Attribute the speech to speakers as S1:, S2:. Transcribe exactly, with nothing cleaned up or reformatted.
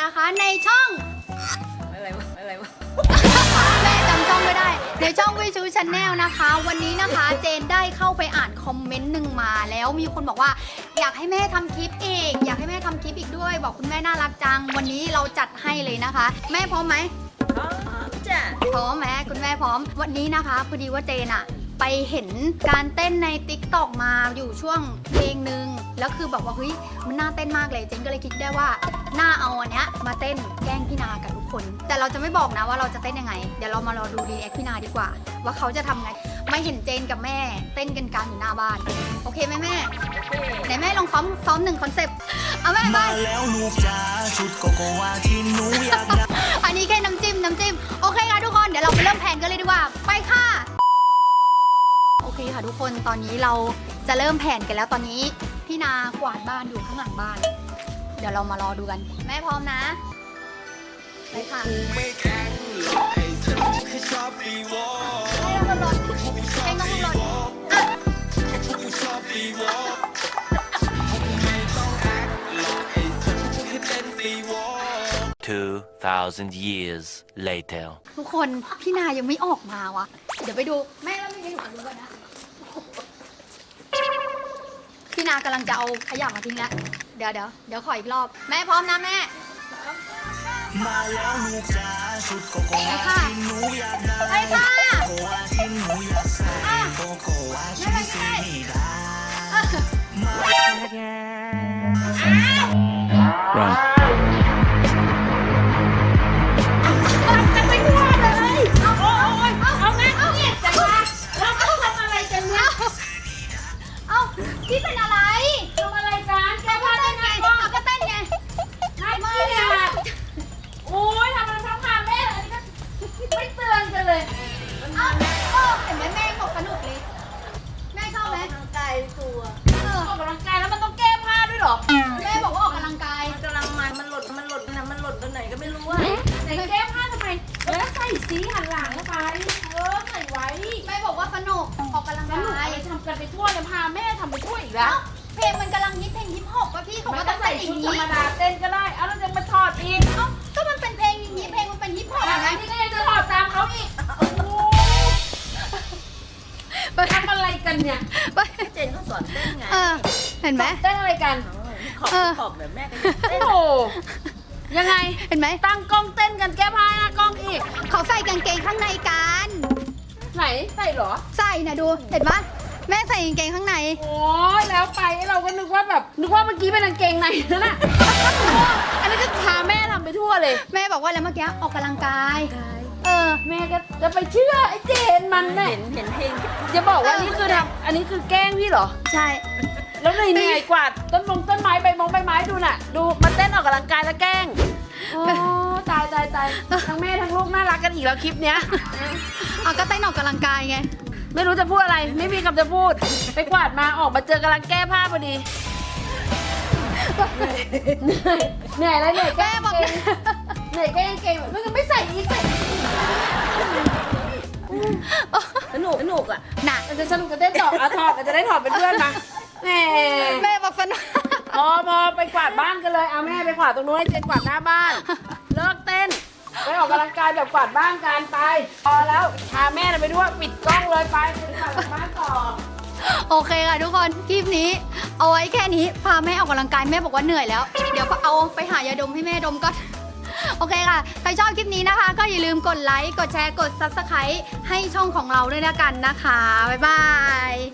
S1: นะคะในช่อง
S2: อะไรวะอะไรวะ
S1: แม่จำช่องไม่ได้ในช่องวิชูชาแนลนะคะวันนี้นะคะเจนได้เข้าไปอ่านคอมเมนต์หนึ่งมาแล้วมีคนบอกว่าอยากให้แม่ทำคลิปอีกอยากให้แม่ทำคลิปอีกด้วยบอกคุณแม่น่ารักจังวันนี้เราจัดให้เลยนะคะแม่พร้อมไหม
S2: พร้อมจ้ะ
S1: พร้อมไหมคุณแม่พร้อมวันนี้นะคะพอดีว่าเจนอะไปเห็นการเต้นใน ติ๊กต็อก มาอยู่ช่วงเพลงหนึ่งแล้วคือแบบว่าเฮ้ยมันน่าเต้นมากเลยเจนก็เลยคิดได้ว่าน่าเอาอันเนี้ยมาเต้นแกล้งพี่นากับทุกคนแต่เราจะไม่บอกนะว่าเราจะเต้นยังไงเดี๋ยวเรามารอดูรีแอคพี่นาดีกว่าว่าเขาจะทำไงไม่เห็นเจนกับแม่เต้นกันกลางอยู่หน้าบ้านโอเคไหมแม่ไหนแม่ลองซ้อมซ้อมหนึ่งคอนเซปต์เอาแม่ไป
S3: แล้วลูกจ๋าชุดโกโกวาที่หนูอยากได้
S1: อันนี้แค่น้ำจิ้มน้ำจิ้มโอเคค่ะทุกคนเดี๋ยวเราไปเริ่มแผนกันเลยดีกว่าไปค่ะโอเคค่ะทุกคนตอนนี้เราจะเริ่มแผนกันแล้วตอนนี้พี่นากวาดบ้านอยู่ข้างหลังบ้านเดี๋ยวเรามารอดูกันแม่พร้อมนะไปค่ะให้เราลดให้น้องลดอ่ะ
S4: two thousand years later
S1: ทุกคนพี่นายังไม่ออกมาวะเดี๋ยวไปดูแม่แล้วไม่ได้หนูดูกันนะพี่นากำลังจะเอาขยะมาทิ้งแล้วเดี๋ยวเดี๋ยวเดี๋ยวขออีกรอบแม่พร้อมนะแม่
S3: มาแล้วลูกจ๋าชุดโกโกวาที่หนูอยากได้
S1: ไปค่ะ
S3: โกโกวาที่หนูอยากใส่โกโกวาที่สีดามา
S4: run
S2: จะไปทั่วเลยเอาโอ้ยเอาแม่เอาเนี่ยจังวะเราต้องทำอะไรกันเนี่ย
S1: เอ้าพี่เป็นอะไร
S2: ทำอะไรกันแกพา
S1: เต้
S2: เต้
S1: น
S2: น
S1: ไง
S2: ไงบ้าง
S1: เอาก็เต้นไง
S2: น่าเกลียดโอ้ยทำอะไรทั้งพาแม่อันนี้ก็ไม่เตือนกันเลย
S1: เอ้าเออเห็นไหมแม่บอกสนุกเลยแม่ชอบไหม
S2: กำลังกายตัว
S1: เออ
S2: ออกกำลังกายแล้วมันต้องแก้ผ้าด้วยหรอ
S1: แม่บอกว่าออกกำลังกาย
S2: มันกำลังมันมันหล่นมันหล่นนะมันหล่นตรงไหนก็ไม่รู้อะไหนแก้ผ้าทำไมเออใส่สีหันหลังเข้าไปเออใส่ไว้
S1: แม่บอกว่าสนุกออกกำลัง
S2: แล้วหนู
S1: กาย
S2: ไปทำกันไปทั่วเลยพาแม่ทำไปทั่วอีกแล้ว
S1: เอ้าเพลงมันกำลังฮิตเพลงฮิปฮอปป่ะพี่เขา
S2: มั
S1: ก็
S2: น
S1: ต้
S2: ก็
S1: อง
S2: ใส่
S1: ใส่อ
S2: ชุด
S1: ย่าง
S2: ธร
S1: นี้
S2: รมดาเต้นก็ได้เอาแล้วจะมาถอดอีก
S1: เอ้าก็มันเป็นเพลงอย่างนี้เพลงมันเป็นฮิปฮอป
S2: อั
S1: ไง
S2: นนี้ก็ยังจะถอดตามเขาอีกทำอะไรกันเนี่ย
S5: เจนเขาสอนเต้นไง
S1: เออเห็นไหม
S2: เต้นอะไรกัน
S5: ขอบ
S1: เออ
S5: ขอบแบบแม่กัน
S2: โอ้โหยังไง
S1: เห็นไหม
S2: ตั้งกล้องเต้นกันแก้ผ้าหน้ากล้องอีก
S1: เขาใส่กางเกงข้างในกัน
S2: ไหนใส่เหรอ
S1: ใส่นะดูเห็นปะแม่ใส่กางเกงข้างใน
S2: โอ้ยแล้วไปเราก็นึกว่าแบบนึกว่าเมื่อกี้เป็นกางเกงในนั่นน่ะอันนี้นก็พาแม่ทำไปทั่วเลย
S1: แม่บอกว่าแล้วเมื่อกี้ออกกำลังกายเออ
S2: แม่ก็จะไปเชื่อไอ้เจนมันเนี่ย
S5: เห็นเห็นเพลง
S2: จะบอกว่านี่คือทำอันนี้คือแกล้งพี่เหรอ
S1: ใช่
S2: แล้วเหนื่อยเหนื่อยกวาดต้นมงต้นไม้ใบมงใบไม้ดูน่ะ ดูมันเต้นออกกำลังกายแล้วแกล้งโอ้ตายตายตายทั้งแม่ทั้งลูกน่ารักกันอีกแล้วคลิปเนี้ย
S1: เอาก็เต้นออกกำลังกายไง
S2: ไม่รู้จะพูดอะไร ไม่มีคำจะพูด ไปกวาดมาออกมาเจอกำลังแก้ผ้าพอดีเหนื่อยแล้วเหนื่อยแก้บอกเหนื่อยแก้เกงแบบไม่ไม่ใส่อีกใส่สนุกสนุกอ่ะ
S1: น่ะ
S2: มันจะสนุกจะเต้นต่ออ่ะถอดมันจะได้ถอดเป็นเพื่อนมาแหม
S1: แม่บอกสนุก
S2: พอพอไปกวาดบ้านกันเลยเอาแม่ไปกวาดตรงนู้นให้เจนกวาดหน้าบ้าน เลิกเต้นไปออกกำลังกายแบบกวาดบ้านกันไปพอแล้วพาแม่ไปด้วยปิดกล้องเลยไปไปกวาดบ้านต่อ
S1: โอเคค่ะทุกคนคลิปนี้ เอาไว้แค่นี้พาแม่ออกกำลังกายแม่บอกว่าเหนื่อยแล้ว เดี๋ยวก็เอาไปหายาดมให้แม่ดมก่อนโอเคค่ะใครชอบคลิปนี้นะคะ ก็อย่าลืมกดไลค์กดแชร์กด ซับสไครบ์ ให้ช่องของเราด้วยนะกันนะคะบ๊ายบาย